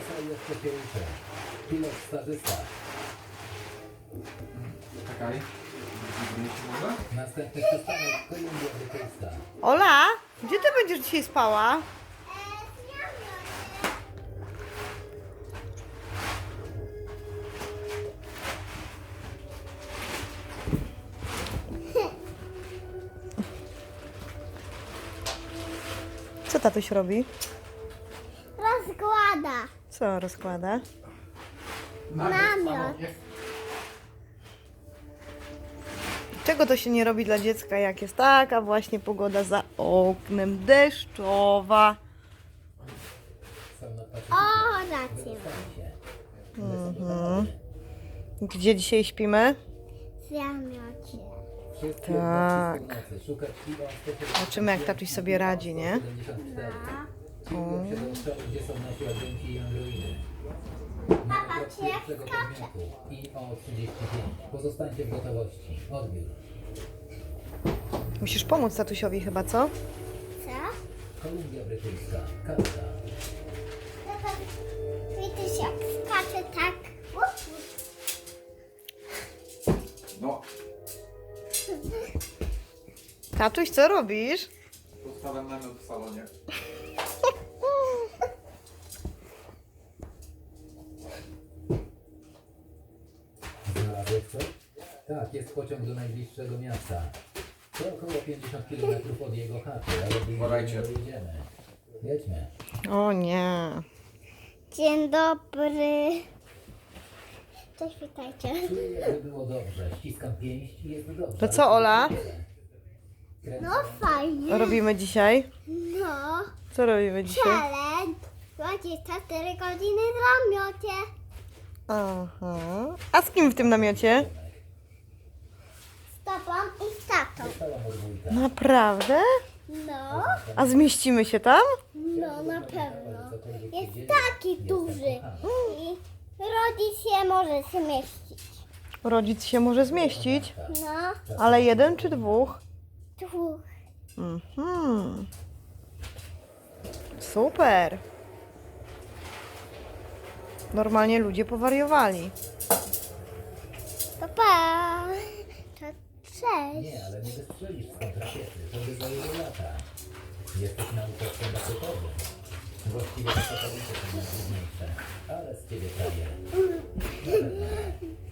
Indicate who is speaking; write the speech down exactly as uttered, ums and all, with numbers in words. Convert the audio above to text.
Speaker 1: Wesoły jeszcze się uczę. Pilot stażysta.
Speaker 2: Czekaj. Zbliżymy się może?
Speaker 1: Następny przystanek Kolumbia Brytyjska.
Speaker 3: Ola, gdzie ty będziesz dzisiaj spała? Co tatuś robi?
Speaker 4: Rozkłada.
Speaker 3: Co rozkłada?
Speaker 4: Namiot.
Speaker 3: Czego to się nie robi dla dziecka, jak jest taka właśnie pogoda za oknem deszczowa?
Speaker 1: Są na pacie.
Speaker 4: O, rację.
Speaker 3: Mhm. Gdzie dzisiaj śpimy?
Speaker 4: W namiocie.
Speaker 1: Wszystkie
Speaker 3: Tak.
Speaker 1: jednostki nocy. Szukać piwa
Speaker 3: Zobaczymy, jak tatuś sobie radzi, nie?
Speaker 1: siedemdziesiąt cztery. Kierują się do obszaru, gdzie są nasi agenci i androidy. Na krok pierwszego podmiotu I O trzydzieści pięć. Pozostańcie w gotowości. Odbiór.
Speaker 3: Musisz pomóc tatusiowi chyba, co?
Speaker 4: Co?
Speaker 1: Kolumbia Brytyjska. Kanada.
Speaker 4: Tata, widzisz jak skacze tak? Łup,
Speaker 2: No,
Speaker 3: Tatuś, co robisz?
Speaker 2: postawiam namiot w salonie.
Speaker 1: Znalazłeś coś? Tak, jest pociąg do najbliższego miasta. To około pięćdziesiąt kilometrów od jego chaty, ale bliżej
Speaker 2: Uważajcie.
Speaker 1: nie dojedziemy. Jedźmy.
Speaker 3: O nie.
Speaker 4: Dzień dobry. Cześć, witajcie.
Speaker 1: Czuję, jakby było dobrze. Ściskam pięść i jest dobrze.
Speaker 3: To co, Ola?
Speaker 4: No fajnie.
Speaker 3: Robimy dzisiaj?
Speaker 4: No.
Speaker 3: Co robimy dzisiaj?
Speaker 4: Challenge. dwadzieścia cztery godziny w namiocie.
Speaker 3: Aha. A z kim w tym namiocie?
Speaker 4: Z tobą i z tatą.
Speaker 1: Stała podwójka.
Speaker 3: Naprawdę?
Speaker 4: No.
Speaker 3: A zmieścimy się tam?
Speaker 4: No na pewno. Jest taki duży. I rodzic się może zmieścić.
Speaker 3: Rodzic się może zmieścić.
Speaker 4: No.
Speaker 3: Ale jeden czy dwóch?
Speaker 4: Dwóch.
Speaker 3: Mhm. Super. Normalnie ludzie powariowali.
Speaker 4: Papa. To cześć.
Speaker 1: Nie, ale nie wystrzelisz z kontrakiety. To by zajęło lata. Jesteś naukowcem rakietowym. Właściwie to są najtrudniejsze. Ale z ciebie prawie.